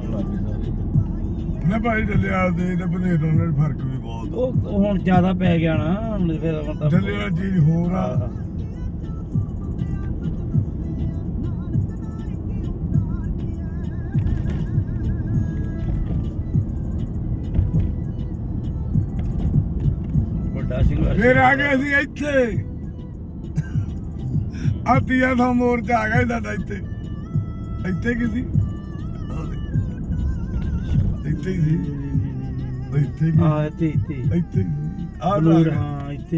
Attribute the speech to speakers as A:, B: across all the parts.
A: ਨਾ ਭਾਈ ਡੱਲੇਵਾਲ ਦੇ ਤੇ ਬਨੇਰ ਨਾਲ ਫਰਕ ਵੀ ਬਹੁਤ
B: ਉਹ ਹੁਣ ਜ਼ਿਆਦਾ ਪੈ ਗਿਆ ਨਾ ਹੁਣ ਫਿਰ ਹੁਣ ਤਾਂ
A: ਡੱਲੇਵਾਲ ਚੀਜ਼ ਹੋਰ ਆ
B: ਵੱਡਾ ਸਿੰਘ
A: ਫਿਰ ਆ ਗਏ ਅਸੀਂ ਇੱਥੇ ਆਤੀਆ ਦਾ ਮੋਰਚਾ ਆ ਗਿਆ ਸਾਡਾ ਇੱਥੇ ਇੱਥੇ ਕੀ ਸੀ ਇੱਥੇ ਹੀ ਸੀ ਇੱਥੇ ਕੀ
B: ਇੱਥੇ
A: ਇੱਥੇ ਆ
B: ਹਾਂ ਇੱਥੇ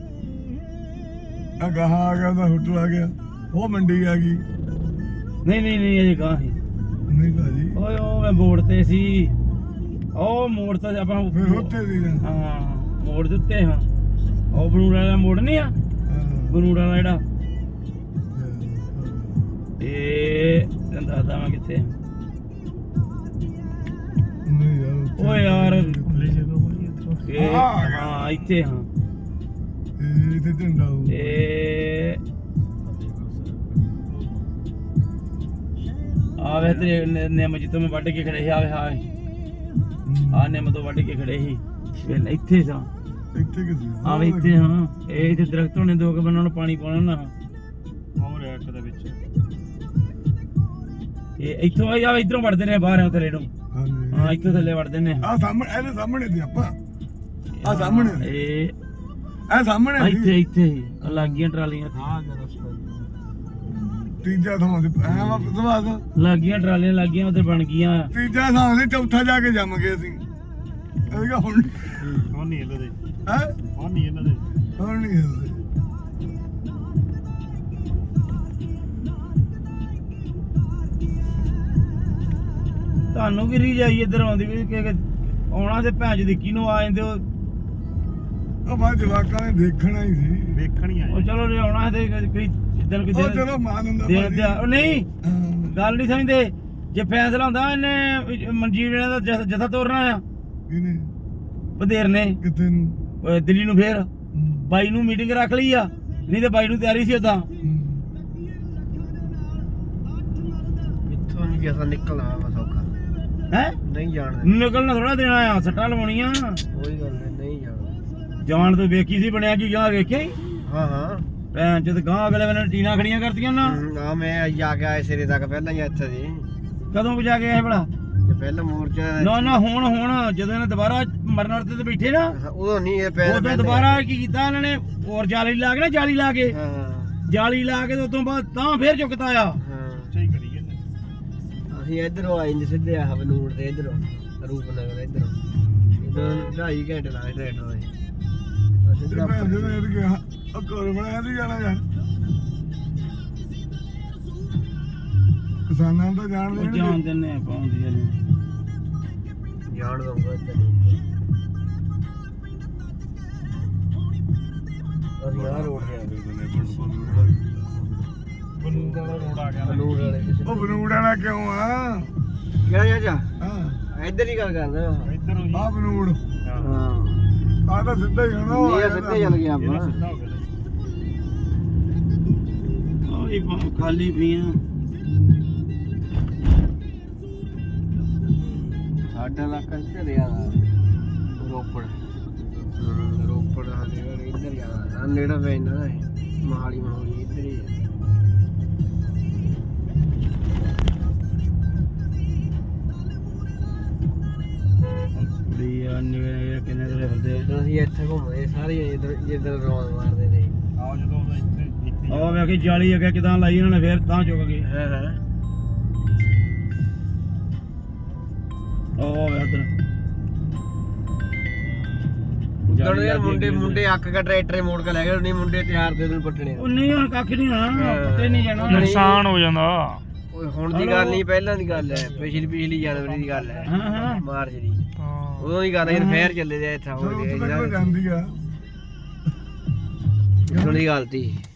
A: ਆ ਗਾਹਾਂ ਆ ਗਿਆ ਤਾਂ ਹੋਟਲ ਆ ਗਿਆ ਉਹ ਮੰਡੀ ਆ ਗਈ
B: ਨਹੀਂ ਅਜੇ ਗਾਂ ਸੀ
A: ਨਹੀਂ ਭਾਜੀ
B: ਓਏ ਉਹ ਮੈਂ ਬੋਰਡ ਤੇ ਸੀ ਉਹ ਮੋੜ ਤਾਂ ਆਪਾਂ
A: ਫਿਰ ਉੱਥੇ ਸੀ
B: ਹਾਂ ਮੋੜ ਦੇ ਉੱਤੇ ਹਾਂ ਉਹ ਬਨੂੜਾ ਵਾਲਾ ਮੋੜ ਨਹੀਂ ਆ ਬਨੂੜਾ ਵਾਲਾ ਜਿਹੜਾ ਇਹ ਤੈਨੂੰ ਦੱਸਦਾ ਮੈਂ ਕਿੱਥੇ
A: ਨਹੀਂ ਯਾਰ
B: ਓਏ ਯਾਰ ਹਾਂ ਇੱਥੇ ਹਾਂ
A: ਇਹ ਤੇ ਝੰਡਾ ਉਹ
B: ਇਹ ਆਵੇ ਤੇ ਨਿੰਮ ਜਿੱਤੋਂ ਮੈਂ ਵੱਢ ਕੇ ਖੜੇ ਸੀ ਆਵੇ ਆ ਨਿੰਮ ਤੋਂ ਵੱਢ ਕੇ ਖੜੇ ਸੀ ਫਿਰ ਇੱਥੇ ਸਾਂ
A: ਇੱਥੇ ਕਿੱਥੇ
B: ਆਵੇ ਇੱਥੇ ਹਾਂ ਇਹ ਇੱਥੇ ਦਰਖਤ ਹੋਣੇ ਦੋ ਕੇ ਬੰਨਾਂ ਨੂੰ ਪਾਣੀ ਪਾਉਣਾ ਨਾ
C: ਹੋਰ ਇੱਕ ਦੇ ਵਿੱਚ
B: ਇਹ ਇੱਥੋਂ ਆਵੇ ਇਧਰੋਂ ਵੜਦੇ ਨੇ ਬਾਹਰ ਥੱਲੇ ਨੂੰ
A: ਹਾਂਜੀ
B: ਹਾਂ ਇੱਥੋਂ ਥੱਲੇ ਵੜਦੇ ਨੇ
A: ਆ ਸਾਹਮਣੇ ਇਹਦੇ ਸਾਹਮਣੇ ਦੀ ਆਪਾਂ ਆ ਸਾਹਮਣੇ
B: ਇਹ
A: ਸਾਹਮਣੇ
B: ਇੱਥੇ ਲੱਗ ਗਈਆਂ ਟਰਾਲੀਆਂ
C: ਹਾਂ ਰਸਤਾ
A: ਤੀਜਾ ਥਾਂ ਤੇ ਐ ਵਾਪਸ
B: ਲੱਗ ਗਈਆਂ ਟਰਾਲੀਆਂ ਲੱਗ ਗਈਆਂ ਉਧਰ ਬਣ ਗਈਆਂ
A: ਤੀਜਾ ਥਾਂ ਤੇ ਚੌਥਾ ਜਾ ਕੇ ਜੰਮ ਗਏ ਅਸੀਂ ਇਹ ਕਿਹਾ ਹੁਣ
C: ਹੁਣ ਨਹੀਂ ਹਿੱਲਦੇ
A: ਹੈ
C: ਹੁਣ ਨਹੀਂ ਹਿੱਲਦੇ
A: ਹੁਣ ਨਹੀਂ ਹਿਲਦੇ
B: ਤੁਹਾਨੂੰ ਵੀ ਰੀ ਜਾਈ ਇੱਧਰ ਆਉਂਦੀ ਵੀ ਕਿ ਆਉਣਾ ਤੇ ਭੈਣ ਚ ਦੇਖੀ ਨੂੰ ਆ ਜਾਂਦੇ
A: ਉਹ ਬਾਅਦ ਜਵਾਕਾਂ ਨੇ ਦੇਖਣਾ ਹੀ ਸੀ
C: ਵੇਖਣ ਹੀ
B: ਉਹ
C: ਆਏ
B: ਚਲੋ ਜੇ ਆਉਣਾ ਤੇ ਕੋਈ ਜਿੱਦਣ
A: ਉਹ
B: ਕਿਤੇ
A: ਚਲੋ ਮਾਨ ਹੁੰਦਾ
B: ਦੇ
A: ਭਾਜੀ।
B: ਉਹ ਨਹੀਂ
A: ਹਾਂ,
B: ਗੱਲ ਨਹੀਂ ਸਮਝਦੇ ਜੇ ਫੈਸਲਾ ਹੁੰਦਾ ਇਹਨੇ ਮਨਜੀਤ ਨੇ ਦਾ ਜਥਾ ਤੋਰਨਾ ਆ
A: ਕਿਹਨੇ
B: ਵਧੇਰ ਨੇ
A: ਕਿੱਥੇ ਨੂੰ
B: ਦਿੱਲੀ ਨੂੰ ਫੇਰ
A: ਹਮ,
B: ਬਾਈ ਨੂੰ ਮੀਟਿੰਗ ਰੱਖ ਲਈ ਆ ਨਹੀਂ ਤੇ ਬਾਈ ਨੂੰ ਤਿਆਰੀ ਸੀ ਉਦਾਂ
A: ਹਮ।
C: ਇੱਥੋਂ ਨਹੀਂ ਕਿਸਾ ਨਿਕਲਣਾ ਵਾ ਸੌਖਾ
B: ਹੈ
C: ਨਹੀਂ ਜਾਣਦਾ
B: ਨਿਕਲਣਾ ਥੋੜਾ ਦੇਣਾ ਆ ਸੱਟਾਂ ਲਵਾਉਣੀਆਂ
C: ਕੋਈ ਗੱਲ ਨਹੀਂ ਜਾਣਦਾ
B: ਜਾਣ ਤੋਂ ਵੇਖੀ ਸੀ ਬਣਿਆ ਕੀ ਗਾਂ ਵੇਖਿਆ ਹੀ
C: ਹਾਂ ਹਾਂ
B: ਭੈਣ ਜਦ ਗਾਂ ਅਗਲੇ ਵੇਲੇ ਟੀਨਾ ਖੜੀਆਂ ਕਰਤੀਆਂ ਨਾ
C: ਆ ਮੈਂ ਜਾ ਕੇ ਆਏ ਸਿਰੇ ਤੱਕ ਪਹਿਲਾਂ ਹੀ ਇੱਥੇ ਸੀ
B: ਕਦੋਂ ਵਜਾ ਕੇ ਆਏ ਬੜਾ
C: ਤੇ ਪਹਿਲਾਂ ਮੋਰਚਾ
B: ਨਾ ਹੁਣ ਜਦੋਂ ਇਹਨੇ ਦੁਬਾਰਾ ਮਰਨ ਤੇ ਬੈਠੇ ਨਾ
C: ਉਦੋਂ ਨਹੀਂ ਇਹ ਪੈਰ
B: ਉਦੋਂ ਦੁਬਾਰਾ ਕੀ ਕੀਤਾ ਇਹਨਾਂ ਨੇ ਹੋਰ ਜਾਲੀ ਲਾ ਕੇ ਨਾ ਜਾਲੀ ਲਾ ਕੇ
C: ਹਾਂ ਹਾਂ
B: ਜਾਲੀ ਲਾ ਕੇ ਤੇ ਉਦੋਂ ਬਾਅਦ ਤਾਂ ਫੇਰ ਚੁੱਕਤਾ ਆ
C: ਹਾਂ ਸਹੀ ਕਰੀ ਜਾਂਦੇ ਅਸੀਂ ਇਧਰੋਂ ਆਏ ਨੇ ਸਿੱਧੇ ਆ ਬਨੂੜ ਤੇ ਇਧਰੋਂ ਰੂਪਨਗਰ ਇਧਰੋਂ 2.5 ਘੰਟੇ ਲਾਏ ਟ੍ਰੈਕਟਰ ਦੇ
A: ਤੇ ਭੈਣ ਦੇ ਨੇ ਕਿ ਉਹ ਘਰ ਬਣਾਇਆ ਨਹੀਂ ਜਾਣਾ ਯਾਰ ਕਿਸਾਨਾਂ ਨੂੰ ਤਾਂ ਜਾਣ
B: ਉਹ
A: ਦੇਣਗੇ
B: ਜਾਣ ਦਿੰਨੇ ਆਪਾਂ ਹੁੰਦੀਆਂ ਨੇ
C: ਜਾਣ ਦਊਂਗਾ ਇੱਧਰ ਅਸੀਂ ਆਹ ਰੋਡ ਤੇ ਆ ਗਏ ਬਨੂੜ ਵਾਲਾ ਰੋਡ ਆ ਗਿਆ ਬਨੂੜ ਵਾਲੇ
A: ਉਹ ਬਨੂੜ ਵਾਲਾ ਕਿਉਂ ਆ
C: ਕਿਹੜਾ ਜਾ
A: ਹਾਂ
C: ਇੱਧਰ ਹੀ ਗੱਲ ਕਰਦਾ ਇੱਧਰ
A: ਆ ਬਨੂੜ
C: ਹਾਂ
A: ਆ ਤਾਂ ਸਿੱਧਾ ਹੀ ਹੋਣਾ ਉਹ
C: ਇਹ ਸਿੱਧੇ ਚੱਲ ਗਿਆ ਆਪਾਂ ਸਿੱਧਾ ਹੋ ਗਿਆ
B: ਉਹ ਵੀ ਖਾਲੀ ਪੀਆਂ
C: ਸਾਡਾ ਇਲਾਕਾ ਇੱਧਰ ਆ ਰੋਪੜ ਰੋਪੜ ਆ ਨੇੜੇ ਇੱਧਰ ਆ ਨੇੜੇ ਪੈਂਦਾ ਨਾ ਇਹ ਮਹਾਲੀ ਇੱਧਰ ਹੀ ਆ
B: ਕੁੜੀ ਆ ਨਿਵੇ ਕਿੰਨੇ ਦੇ ਫਿਰਦੇ
C: ਜਦੋਂ ਅਸੀਂ ਇੱਥੇ ਘੁੰਮਦੇ ਸਾਰੇ ਇੱਧਰ ਰੌਣ ਮਾਰਦੇ ਨੇ ਆਹ ਜਦੋਂ ਇੱਥੇ
B: ਉਹ ਵੇਖ ਕੇ ਜਾਲੀ ਅੱਗੇ ਕਿਦਾਂ ਲਾਈ ਇਹਨਾਂ ਨੇ ਫੇਰ ਤਾਂ ਚੁੱਕ ਗਏ
C: ਹਾਂ ਹਾਂ
B: ਉਹ ਵੇ ਉਧਰ
C: ਉਧਰ ਯਾਰ ਮੁੰਡੇ ਅੱਕ ਕੇ ਟਰੈਕਟਰ ਮੋੜ ਕੇ ਲੈ ਗਏ ਨਹੀਂ ਮੁੰਡੇ ਤਿਆਰ ਦੇ ਨੂੰ ਪੱਟਣੇ
B: ਉਹ ਨਹੀਂ ਹੁਣ ਕੱਖ ਨਹੀਂ ਹੋਣਾ ਪੱਤੇ ਨਹੀਂ ਜਾਣਾ
C: ਨੁਕਸਾਨ ਹੋ ਜਾਂਦਾ ਓਏ ਹੁਣ ਦੀ ਗੱਲ ਨਹੀਂ ਪਹਿਲਾਂ ਦੀ ਗੱਲ ਹੈ ਪਿਛਲੀ ਜਨਵਰੀ ਦੀ ਗੱਲ ਹੈ
B: ਹਾਂ
C: ਮਾਰਚ ਦੀ ਉਦੋਂ ਦੀ ਗੱਲ ਹੈ ਜਦ ਫੇਰ ਚੱਲੇ ਦੇ ਇੱਥੇ ਹੋ
A: ਚਲੋ
C: ਗਏ
A: ਉੱਥੇ ਤੱਕ ਜਾਂਦੀ ਆ
C: ਉਦੋਂ ਦੀ ਗੱਲ ਤੀ